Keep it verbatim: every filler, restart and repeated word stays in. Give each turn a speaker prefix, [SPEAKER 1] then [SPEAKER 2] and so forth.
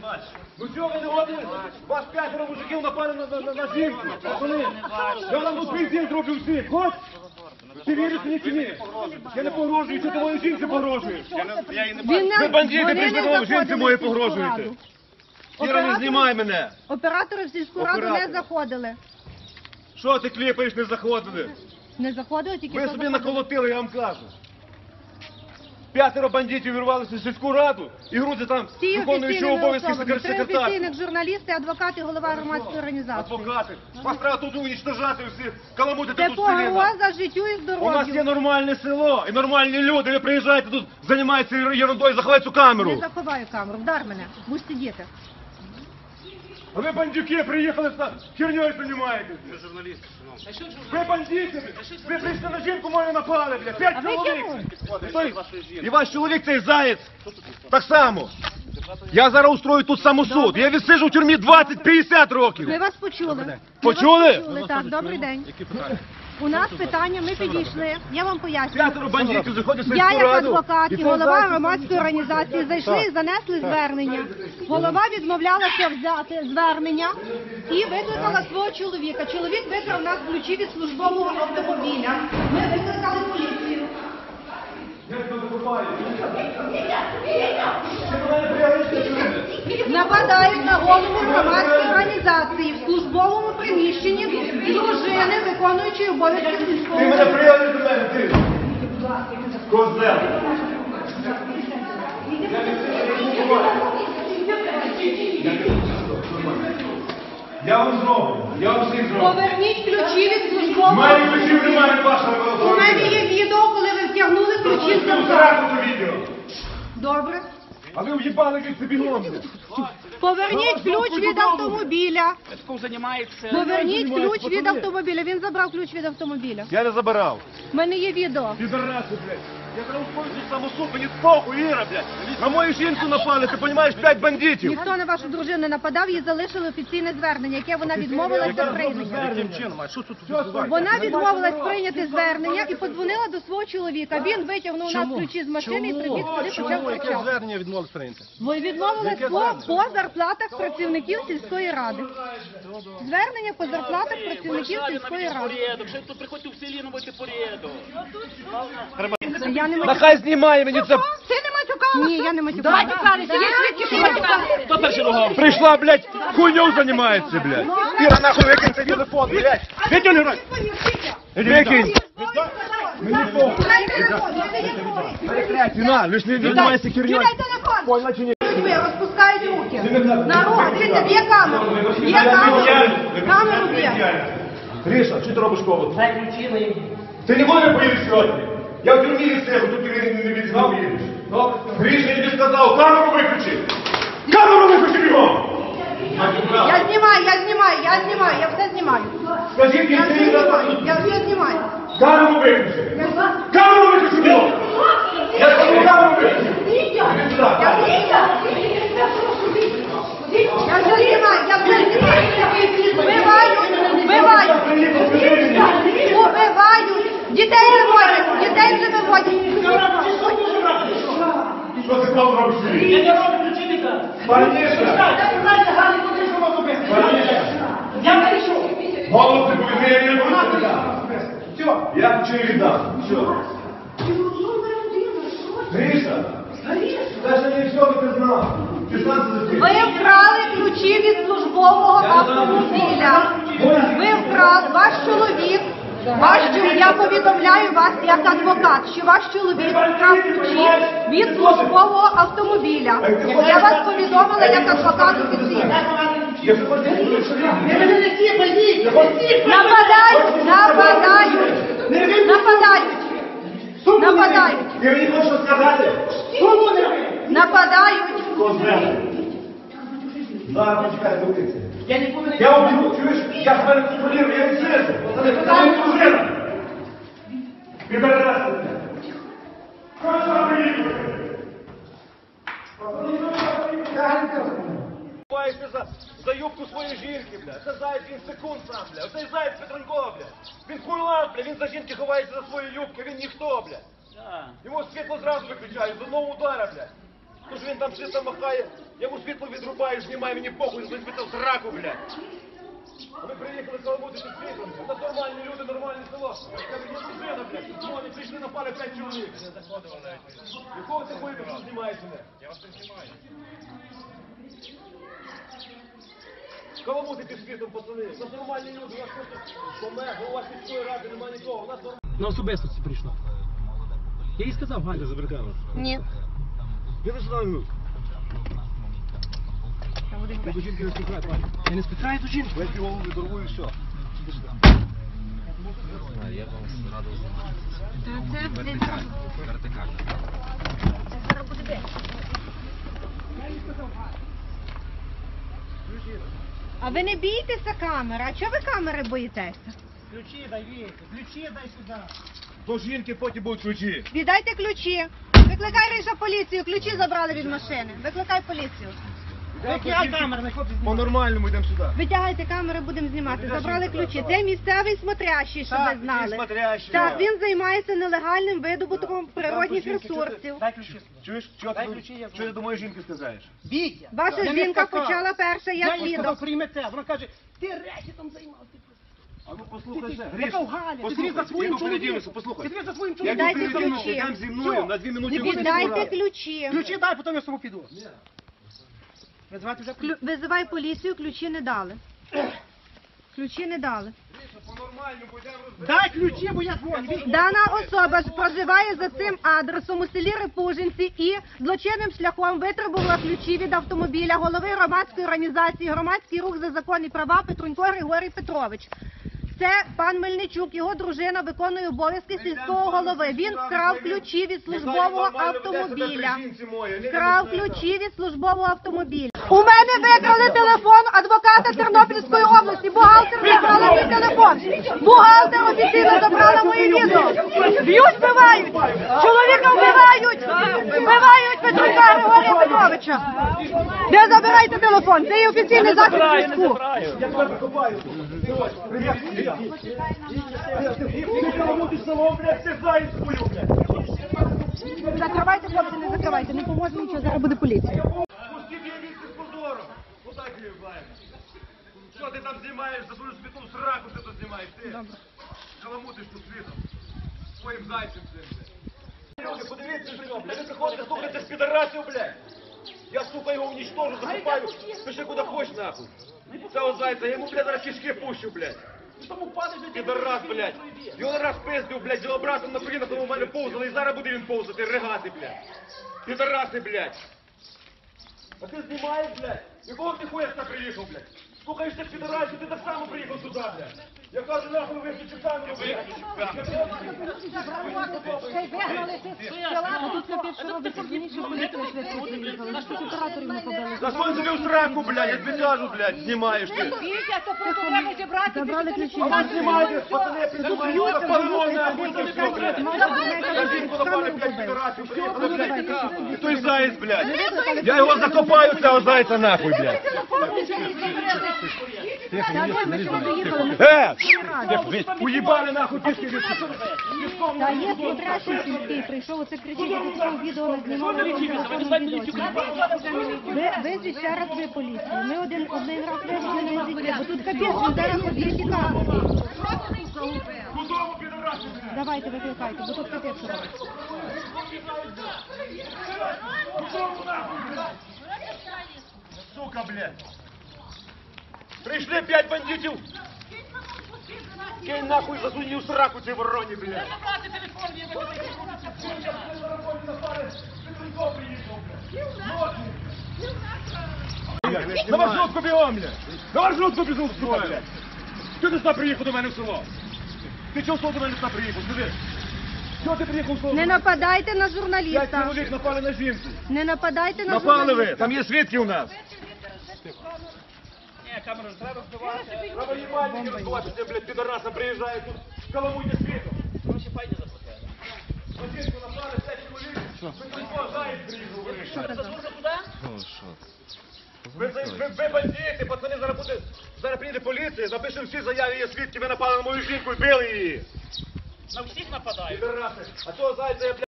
[SPEAKER 1] Ну чого ви не годили? Вас п'ятеро мужиків напали на, на, на, на жінку. Пацани, я вам тут бензин зроблю всі. Хоч? Ти віриш мені чи ні? Я не погрожую, що ти моїй жінці погрожуєш. Ви бандити, прийшли до жінці моєї погрожуєте. Іра, не знімай мене.
[SPEAKER 2] Оператори в сільську раду не заходили.
[SPEAKER 1] Що ти кліпаєш, не заходили?
[SPEAKER 2] Не заходили, тільки
[SPEAKER 1] Ви
[SPEAKER 2] що
[SPEAKER 1] собі
[SPEAKER 2] заходили.
[SPEAKER 1] наколотили, я вам кажу. П'ятеро бандитів вирвалися в сільську раду і грузи там
[SPEAKER 2] Всі
[SPEAKER 1] виконуючого
[SPEAKER 2] офіційними
[SPEAKER 1] обов'язки
[SPEAKER 2] особами. Три
[SPEAKER 1] секретар.
[SPEAKER 2] офіційних журналісти, адвокати, голова громадської організації.
[SPEAKER 1] Адвокати. Вас треба тут уничтожати всі, каламутити
[SPEAKER 2] Це
[SPEAKER 1] тут селі.
[SPEAKER 2] погроза життю і
[SPEAKER 1] У нас
[SPEAKER 2] здоров'ю.
[SPEAKER 1] є нормальне село і нормальні люди. Ви приїжджаєте тут, займаєтеся ерундою, заховайте цю камеру.
[SPEAKER 2] Не заховаю камеру, вдар мене, будь сидіти.
[SPEAKER 1] А ви бандюки приїхали, херньою займаєтесь. Ви журналісти, шановні. Ви бандити, ви прийшли на жінку мою напали, бля, п'ять
[SPEAKER 2] А ви
[SPEAKER 1] чоловік.
[SPEAKER 2] кому?
[SPEAKER 1] І той- І ваш чоловік цей заєць. Так само. Я зараз устрою тут самосуд. Я відсиджу в тюрмі двадцять-п'ятдесят років.
[SPEAKER 2] Ми вас почули. Ми
[SPEAKER 1] Почули?
[SPEAKER 2] вас почули, так, добрий день. У нас питання, ми підійшли, я вам поясню.
[SPEAKER 1] П'ятеро бандитів заходять в
[SPEAKER 2] Я
[SPEAKER 1] сільську
[SPEAKER 2] як
[SPEAKER 1] раду.
[SPEAKER 2] адвокат
[SPEAKER 1] І
[SPEAKER 2] і
[SPEAKER 1] це
[SPEAKER 2] голова
[SPEAKER 1] зайці.
[SPEAKER 2] громадської організації зайшли і занесли звернення. Голова відмовлялася взяти звернення і викликала свого чоловіка. Чоловік викрав у нас ключі від службового автомобіля. Ми викликали поліцію. Нападають на голову громадської організації в службовому приміщенні дружини, виконуючої обов'язки сільського
[SPEAKER 1] Ти мене
[SPEAKER 2] голови.
[SPEAKER 1] приїхали до мене, ти. Козел. Я вам зроблю, я вам всіх зроблю.
[SPEAKER 2] Поверніть ключі від службового.
[SPEAKER 1] У мене ключів немає від вашого
[SPEAKER 2] У
[SPEAKER 1] автомобіля.
[SPEAKER 2] мене є відео, коли ви втягнули ключі з
[SPEAKER 1] Ви
[SPEAKER 2] замка.
[SPEAKER 1] втратили відео.
[SPEAKER 2] Добре.
[SPEAKER 1] А ви в'їбали від собі бігом.
[SPEAKER 2] Поверніть ключ від автомобіля.
[SPEAKER 3] Займається.
[SPEAKER 2] Поверніть ключ від автомобіля. Він забрав ключ від автомобіля.
[SPEAKER 1] Я не забирав.
[SPEAKER 2] У мене є відео.
[SPEAKER 1] Підараси, блядь. Я зараз ускорюю самосуд, мені похуй, Іра, блядь. На мою жінку напали, ти розумієш, п'ять бандитів.
[SPEAKER 2] Ніхто на вашу дружину не нападав, їй залишили офіційне звернення, яке вона відмовилася прийняти.
[SPEAKER 1] Яким чином? А що тут?
[SPEAKER 2] Вона відмовилась прийняти звернення і подзвонила до свого чоловіка. Він витягнув у нас ключі з машини і прибіг сюди, почав кричати.
[SPEAKER 1] звернення відмовились прийняти?
[SPEAKER 2] Ви відмовились по, по зарплатах працівників сільської ради. Звернення по зарплатах працівників сільської ради.
[SPEAKER 3] Порядок, що тут приходьте в селі, наводьте порядок.
[SPEAKER 2] Я не
[SPEAKER 1] Нехай знімає мені це.
[SPEAKER 2] Ти не матюкалася? Ні, я не матюкалася. Матюкалися, є свідки, що матюкалися.
[SPEAKER 3] Хто перший ругав?
[SPEAKER 1] Прийшла, блядь, хуйньою займається, блядь. Іра, нахуй викинь цей телефон, блядь. Викинь, Іра. Викинь. Мені похуй. На, лиш не займайся херньою.
[SPEAKER 2] Кидай телефон.
[SPEAKER 1] Поняла чи ні?
[SPEAKER 2] Ви розпускають руки. На руки, дивіться, є камеру. Є камеру. Камеру є.
[SPEAKER 1] Гриша, що ти робиш коло? Ти не можеш поїдеш сьогодні? Я в тюрмі від себе, тут ти не відзнав їдеш. Гриша, я тобі сказав, камеру виключи! Камеру виключи бігом!
[SPEAKER 2] Я знімаю, я знімаю, я знімаю, я все знімаю.
[SPEAKER 1] Скажіть,
[SPEAKER 2] Я
[SPEAKER 1] я
[SPEAKER 2] все знімаю, я все знімаю.
[SPEAKER 1] камеру виключи! Камеру виключи бігом! Я сказав, камеру виключи! Іди сюди, камеру.
[SPEAKER 2] Я все знімаю, я все знімаю. Вбивають, вбивають. Убивають. Дітей виводять, дітей вже виводять.
[SPEAKER 1] Що ти там робиш?
[SPEAKER 3] Я не роблю ключівника.
[SPEAKER 1] Паніша!
[SPEAKER 3] Я прийшов.
[SPEAKER 1] Голос не повідомляє, я не буду. Все, я ключі віддам. Все. Гриша! Це ж не все, ти знав. Ти сам це
[SPEAKER 2] Ви вкрали ключі від службового автомобіля. Ви вкрали, ваш чоловік, ваш чоловік, я повідомляю вас як адвокат, що ваш чоловік вкрав ключі від службового автомобіля. Я вас повідомила як адвокат офіційно. Нападають, нападають, нападають, нападають,
[SPEAKER 1] Ти мені хочеш сказати?
[SPEAKER 2] нападають.
[SPEAKER 1] Козел. Зараз почекай, дивіться.
[SPEAKER 3] Я нікуди не
[SPEAKER 1] Я обіду, чуєш? Я тебе контролюю, я відсижу. Це моя дружина. Підарасти. Що ж ви приїхали? Ховаєшся за, за юбку своєї жінки, бля. Це заяць, він секунд сам, бля. Оцей заяць Петренко, бля. Він хуйлан, бля. Він за жінки ховається за свою юбку, він ніхто, бля.
[SPEAKER 3] Так.
[SPEAKER 1] Йому світло зразу виключають, з одного удара, бля. Тож він там швидко махає, йому світло відрубаєш, знімає, мені похуй, визбити в сраку, блядь. А ми приїхали каламутити світлом. Це нормальні люди, нормальне село. Я кажу, є дружина, блядь. Ну, вони прийшли, напали п'ять чоловік. Якого ти хуй ти знімаєш мене? Я вас не знімаю. Каламутити світом, пацани. У нас нормальні люди, у нас просто помер, у вас міської ради, немає нікого. У нас нормальні.
[SPEAKER 3] На особистості прийшла. Я їй сказав, Галя.
[SPEAKER 1] Забрикала.
[SPEAKER 2] Ні.
[SPEAKER 1] Я не знаю. Ти до жінки не спіхай, пані.
[SPEAKER 3] Я не спитаю до жінки.
[SPEAKER 1] Я півову відорву і все.
[SPEAKER 4] Я вам радий
[SPEAKER 2] Це
[SPEAKER 4] вертикально.
[SPEAKER 2] А ви не бійтеся камери? А чого ви камери боїтеся?
[SPEAKER 3] Ключі дай, Віка, ключі дай сюди.
[SPEAKER 1] До жінки потім будуть ключі.
[SPEAKER 2] Віддайте ключі. Викликай Риша поліцію, ключі забрали від машини. Викликай поліцію.
[SPEAKER 3] Викликай камеру, не хлопці знімати.
[SPEAKER 1] По-нормальному йдемо сюди.
[SPEAKER 2] Витягайте камери, будемо знімати. Забрали ключі. Це місцевий смотрящий, щоб ви знали.
[SPEAKER 1] смотрящий.
[SPEAKER 2] Так, він займається нелегальним видобутком природних
[SPEAKER 1] Ключі, що ти-
[SPEAKER 2] ресурсів.
[SPEAKER 3] Дай ключі.
[SPEAKER 1] Чуєш, що
[SPEAKER 3] Дай
[SPEAKER 1] ти,
[SPEAKER 3] ключі, я
[SPEAKER 1] що ти до моєї жінки сказаєш?
[SPEAKER 3] Вітя.
[SPEAKER 2] Ваша
[SPEAKER 3] Я не
[SPEAKER 2] жінка
[SPEAKER 3] сказав.
[SPEAKER 2] почала перша, я
[SPEAKER 3] Я їй сказав,
[SPEAKER 2] свідок.
[SPEAKER 3] прийме це. Вона каже, ти речі там займав. Ти
[SPEAKER 1] А ну послухай ще.
[SPEAKER 3] Яка Галя? Ти дивись за своїм чоловіком.
[SPEAKER 1] послухай.
[SPEAKER 3] Ти дивись за своїм
[SPEAKER 1] Я
[SPEAKER 3] чоловіком.
[SPEAKER 2] Дайте
[SPEAKER 1] йду
[SPEAKER 2] ключі.
[SPEAKER 1] йдемо зі мною, на дві минути.
[SPEAKER 3] Не буде
[SPEAKER 2] Віддайте ключі.
[SPEAKER 3] Ключі дай, потім я з тобою піду. Визивати вже
[SPEAKER 2] Клю- Визивай поліцію, ключі не дали. Ключі не дали.
[SPEAKER 1] По-нормальному йдемо розбиратися.
[SPEAKER 3] Дай ключі, бо я дзвоню. Вітя.
[SPEAKER 2] Дана особа ж проживає за цим адресом у селі Репужинці і злочинним шляхом витребувала ключі від автомобіля голови громадської організації «Громадський рух за закон і права» Петрунько Григорій Петрович. Це пан Мельничук, його дружина виконує обов'язки сільського голови. Він вкрав ключі від службового автомобіля. Вкрав ключі від службового автомобіля. У мене викрали телефон адвоката Тернопільської області. Бухгалтер викрала мій телефон. Бухгалтер офіційно забрала моє відео. Б'ють, вбивають. Чоловіка вбивають. Вбивають Петрика Григорія Петровича. Де забирайте телефон? Це є офіційний захід зв'язку.
[SPEAKER 1] Я тебе закопаю. Привіт, привіт. Ти каламутиш село, блядь, ти знаєш свою, блядь.
[SPEAKER 2] Закривайте, хлопці, не закривайте. Не поможе нічого, зараз буде поліція.
[SPEAKER 1] Пусти бігайся з позором. Ну так її вбиваємо. Що ти там знімаєш? За свою світу сраку ти тут знімаєш, ти. Каламутиш тут світом. Своїм зайцем цим, блядь. Люди, подивіться на нього, блядь. Ви приходите, слухайте з підарасів, блядь. Я, сука, його уничтожу, закопаю. Пиши куди хочеш, нахуй. Цього зайця, я йому, блядь, зараз кишки пущу, блядь. Підарас, блядь. Його раз пиздив, блядь, його братом на колінах у мене повзали, і зараз буде він повзати, ригати, блядь. Підараси, блядь. А ти знімаєш, блядь? Якого ти хуя сюди приїхав, блядь? Слухаєшся підарасів, ти так само приїхав сюди, блядь. Я кажу, нахуй виключи камеру, блядь. Засунь собі в сраку, блядь, я тобі кажу, блядь, знімаєш ти.
[SPEAKER 2] Забрали ключі.
[SPEAKER 1] А ви знімаєте, пацани, піднімаєте, паливо, нахуй, це все, блядь. Кажіть, куди пали, блядь, підарасів, приїхали, блядь. І той заєць, блядь. Я його закопаю, цього зайця, нахуй, блядь. Е! Уїбали, нахуй, пішки від
[SPEAKER 2] Та є смотрящий сільський, прийшов, оце кричить, я пішов відео на знімали, ви, визвіть ще раз ви поліцію. Ми один, один раз визвали на звідки, бо тут капець, він зараз поб'є тікати.
[SPEAKER 1] Кудому підарасів, блядь?
[SPEAKER 2] Давайте, викликайте, бо тут капець що робить.
[SPEAKER 1] Кудому, нахуй, блядь? Сука, блядь. Прийшли п'ять бандитів. Кинь нахуй, засунь її в сраку цій вороні, блядь. На маршрутку бігом, блядь! На маршрутку бігом, сука, блядь! Чого ти сюди приїхав до мене в село? Ти чого до мене сюди приїхав, скажи? Чого ти приїхав в село?
[SPEAKER 2] Не нападайте на
[SPEAKER 1] П'ять
[SPEAKER 2] журналіста.
[SPEAKER 1] чоловік напали на жінку.
[SPEAKER 2] Не нападайте на
[SPEAKER 1] Напали ви,
[SPEAKER 2] журналіста.
[SPEAKER 1] там є свідки у нас.
[SPEAKER 3] Ні, камеру ж треба збивати.
[SPEAKER 1] Треба їбальники розбивати, це, блядь, підараса приїжджає тут, каламуйте світом.
[SPEAKER 3] Гроші файні заплатили.
[SPEAKER 1] На жінку напали, п'ять чоловік, ви тут заєць приїхав, вирішив. Ви, ви, ви, ви бандити, пацани, зараз буде, зараз приїде поліція, запишемо всі заяви, є свідки, ви напали на мою жінку і били її.
[SPEAKER 3] На всіх нападають.
[SPEAKER 1] Підараси, а цього зайця я, блядь,